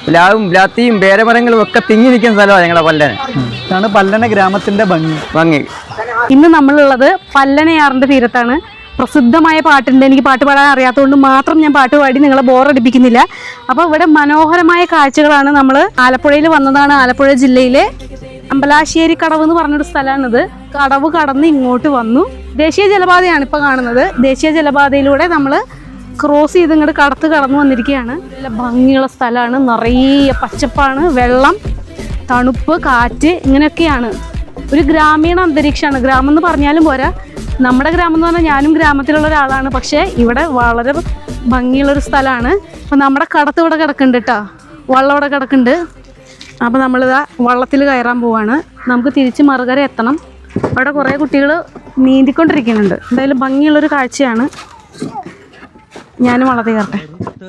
പ്ലാവും ബ്ലാത്തിയും പേരമരങ്ങളും ഒക്കെ തിങ്ങി നിൽക്കുന്ന സ്ഥലമാണ് ഞങ്ങളുടെ പല്ലന. ഇതാണ് പല്ലന ഗ്രാമത്തിന്റെ ഭംഗി. ഇന്ന് നമ്മളുള്ളത് പല്ലനയാറിന്റെ തീരത്താണ്. പ്രസിദ്ധമായ പാട്ടുണ്ട്. എനിക്ക് പാട്ട് പാടാൻ അറിയാത്തതുകൊണ്ട് മാത്രം ഞാൻ പാട്ട് പാടി നിങ്ങളെ ബോറടിപ്പിക്കുന്നില്ല. അപ്പോൾ ഇവിടെ മനോഹരമായ കാഴ്ചകളാണ്. നമ്മൾ ആലപ്പുഴയിൽ വന്നതാണ്. ആലപ്പുഴ ജില്ലയിലെ അമ്പലാശ്ശേരി കടവ് എന്ന് പറഞ്ഞൊരു സ്ഥലമാണിത്. കടവ് കടന്ന് ഇങ്ങോട്ട് വന്നു. ദേശീയ ജലപാതയാണ് ഇപ്പോൾ കാണുന്നത്. ദേശീയ ജലപാതയിലൂടെ നമ്മൾ ക്രോസ് ചെയ്ത് ഇങ്ങോട്ട് കടന്നു വന്നിരിക്കുകയാണ്. നല്ല ഭംഗിയുള്ള സ്ഥലമാണ്. നിറയെ പച്ചപ്പാണ്, വെള്ളം, തണുപ്പ്, കാറ്റ്, ഇങ്ങനെയൊക്കെയാണ്. ഒരു ഗ്രാമീണ അന്തരീക്ഷമാണ്. ഗ്രാമം എന്ന് പറഞ്ഞാലും പോരാ. നമ്മുടെ ഗ്രാമം എന്ന് പറഞ്ഞാൽ ഞാനും ഗ്രാമത്തിലുള്ള ഒരാളാണ്. പക്ഷേ ഇവിടെ വളരെ ഭംഗിയുള്ളൊരു സ്ഥലമാണ്. അപ്പം നമ്മുടെ കടത്ത് ഇവിടെ കിടക്കുന്നുണ്ട് കേട്ടോ. വള്ളം ഇവിടെ കിടക്കുന്നുണ്ട്. അപ്പോൾ നമ്മളിതാ വള്ളത്തിൽ കയറാൻ പോവാണ്. നമുക്ക് തിരിച്ച് മറുകര എത്തണം. അവിടെ കുറേ കുട്ടികൾ നീന്തിക്കൊണ്ടിരിക്കുന്നുണ്ട്. എന്തായാലും ഭംഗിയുള്ളൊരു കാഴ്ചയാണ്. ഞാനും വള്ളത്തിൽ കയറട്ടെ.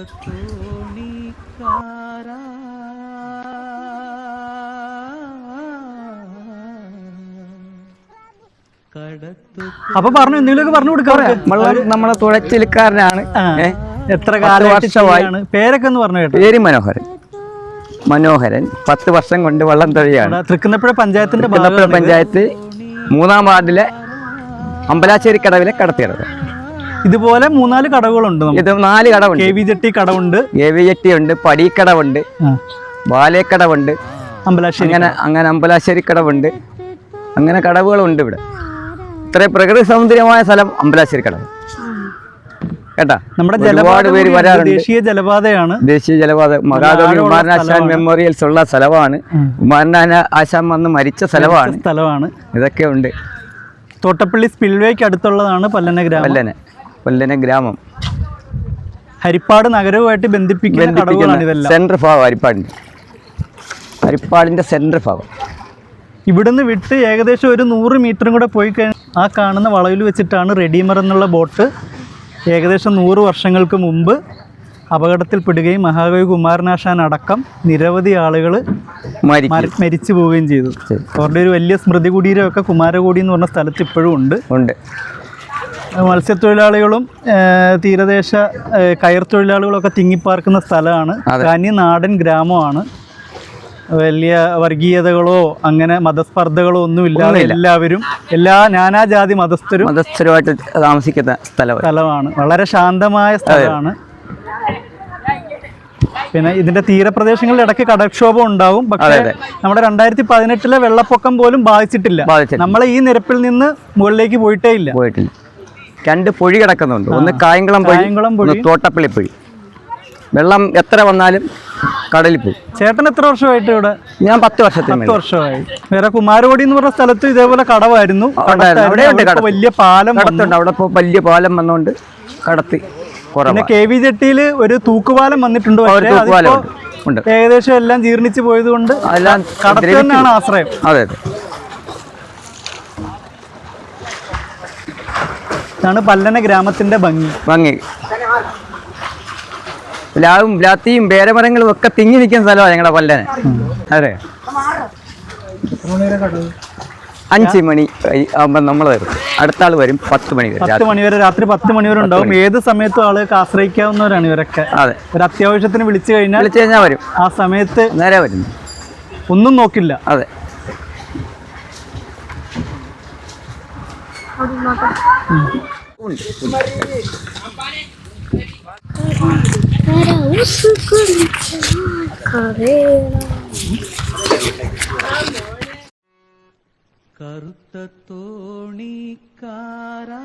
അപ്പൊ പറഞ്ഞു എന്തെങ്കിലുമൊക്കെ പറഞ്ഞു കൊടുക്കാം. നമ്മളെ തുഴച്ചിൽക്കാരനാണ്. എത്ര കാലവർഷമായി? പേരൊക്കെ ഒന്ന് പറഞ്ഞു കേട്ടോ. പേര് മനോഹരൻ. 10 വർഷം കൊണ്ട് വള്ളം തൊഴിയാണ്. തൃക്കുന്നപ്പുഴ പഞ്ചായത്തിന്റെ പഞ്ചായത്ത് 3-ാം വാർഡിലെ അമ്പലാശ്ശേരി കടവിലെ കടത്തിയിടത്. ഇതുപോലെ 3-4 കടവുകളുണ്ട്. ഇത് 4 കടവുണ്ട്. KV ജെട്ടി കടവുണ്ട്, KV ജെട്ടി ഉണ്ട്, പടിക്കടവുണ്ട്, ബാലേക്കടവുണ്ട്, അങ്ങനെ അമ്പലാശ്ശേരി കടവുണ്ട്. അങ്ങനെ കടവുകളുണ്ട് ഇവിടെ. ഇത്രയും പ്രകൃതി സൗന്ദര്യമായ സ്ഥലം അമ്പലാശ്ശേരി കടവ് കേട്ടാ. നമ്മുടെ ഒരുപാട് പേര് വരാറുണ്ട്. ദേശീയ ജലപാതയാണ്. ദേശീയ ജലപാത മഹാകവി കുമാരനാശാൻ മെമ്മോറിയൽസ് ഉള്ള സ്ഥലമാണ്. കുമാരനാശാൻ വന്ന് മരിച്ച സ്ഥലമാണ്. ഇതൊക്കെ ഉണ്ട്. തോട്ടപ്പള്ളി സ്പിൽവേക്ക് അടുത്തുള്ളതാണ് പല്ലന ഗ്രാമം. ഹരിപ്പാട് നഗരവുമായിട്ട് ബന്ധിപ്പിക്കുന്ന സെൻട്രൽ ഭാഗം ഹരിപ്പാടിന്റെ സെൻട്രൽ ഭാഗം. ഇവിടുന്ന് വിട്ട് ഏകദേശം ഒരു 100 മീറ്ററും കൂടെ പോയി കഴിഞ്ഞാൽ ആ കാണുന്ന വളവിൽ വെച്ചിട്ടാണ് റെഡീമർ എന്നുള്ള ബോട്ട് ഏകദേശം 100 വർഷങ്ങൾക്ക് മുമ്പ് അപകടത്തിൽപ്പെടുകയും മഹാകവി കുമാരനാശാൻ അടക്കം നിരവധി ആളുകൾ മരിച്ചു പോവുകയും ചെയ്തു. അവരുടെ ഒരു വലിയ സ്മൃതി കുടീരമൊക്കെ കുമാരകോടി എന്ന് പറഞ്ഞ സ്ഥലത്ത് ഇപ്പോഴും ഉണ്ട്. മത്സ്യത്തൊഴിലാളികളും തീരദേശ കയർ തൊഴിലാളികളൊക്കെ തിങ്ങിപ്പാർക്കുന്ന സ്ഥലമാണ്. തനി നാടൻ ഗ്രാമമാണ്. വലിയ വർഗീയതകളോ അങ്ങനെ മതസ്പർദ്ധകളോ ഒന്നുമില്ലാതെ എല്ലാവരും നാനാജാതി മതസ്ഥരുമായിട്ട് താമസിക്കുന്ന സ്ഥലമാണ്. വളരെ ശാന്തമായ സ്ഥലമാണ്. പിന്നെ ഇതിന്റെ തീരപ്രദേശങ്ങളിൽ ഇടയ്ക്ക് കടൽക്ഷോഭം ഉണ്ടാവും. പക്ഷേ നമ്മുടെ 2018 വെള്ളപ്പൊക്കം പോലും ബാധിച്ചിട്ടില്ല. നമ്മളെ ഈ നിരപ്പിൽ നിന്ന് മുകളിലേക്ക് പോയിട്ടേ ഇല്ല. 2 പൊഴി കിടക്കുന്നുണ്ട്. ഒന്ന് കായംകുളം പൊഴി, തോട്ടപ്പള്ളി പൊഴി. വെള്ളം എത്ര വന്നാലും കടലിൽ പോകും. ചേട്ടൻ എത്ര വർഷമായിട്ട് ഇവിടെ? ഞാൻ 10 വർഷമായി. വേറെ കുമാരകോടി എന്ന് പറഞ്ഞ സ്ഥലത്ത് ഇതേപോലെ കടവായിരുന്നു. വലിയ പാലം കടത്തുണ്ട്. അവിടെ വലിയ പാലം വന്നുകൊണ്ട് കടത്തി. പിന്നെ KV ജെട്ടിയിൽ ഒരു തൂക്കുപാലം വന്നിട്ടുണ്ട്. ഏകദേശം എല്ലാം ജീർണിച്ചു പോയത് കൊണ്ട് കടത്ത് തന്നെയാണ് ആശ്രയം. അതെ. ഇതാണ് പല്ലന ഗ്രാമത്തിന്റെ ഭംഗി. പ്ലാവും ബ്ലാത്തിയും പേരമരങ്ങളും ഒക്കെ തിങ്ങി നിൽക്കുന്ന സ്ഥലമാണ് ഞങ്ങളുടെ പല്ലന. അതെ. 5 മണി ആകുമ്പോൾ നമ്മൾ വരും. അടുത്ത ആൾ വരും 10 മണി വരെ. രാത്രി 10 മണി വരെ ഉണ്ടാവും. ഏത് സമയത്തും ആളുകൾക്ക് ആശ്രയിക്കാവുന്നവരാണ് ഇവരൊക്കെ. അതെ. ഒരു അത്യാവശ്യത്തിന് വിളിച്ചു കഴിഞ്ഞാൽ വരും. ആ സമയത്ത് നേരെ വരും. ഒന്നും നോക്കില്ല. അതെ. കറുത്ത തോണിക്കാരാ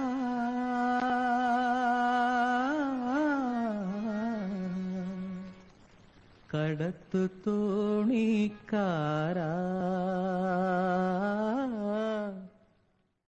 കടത്തു തോണിക്കാരാ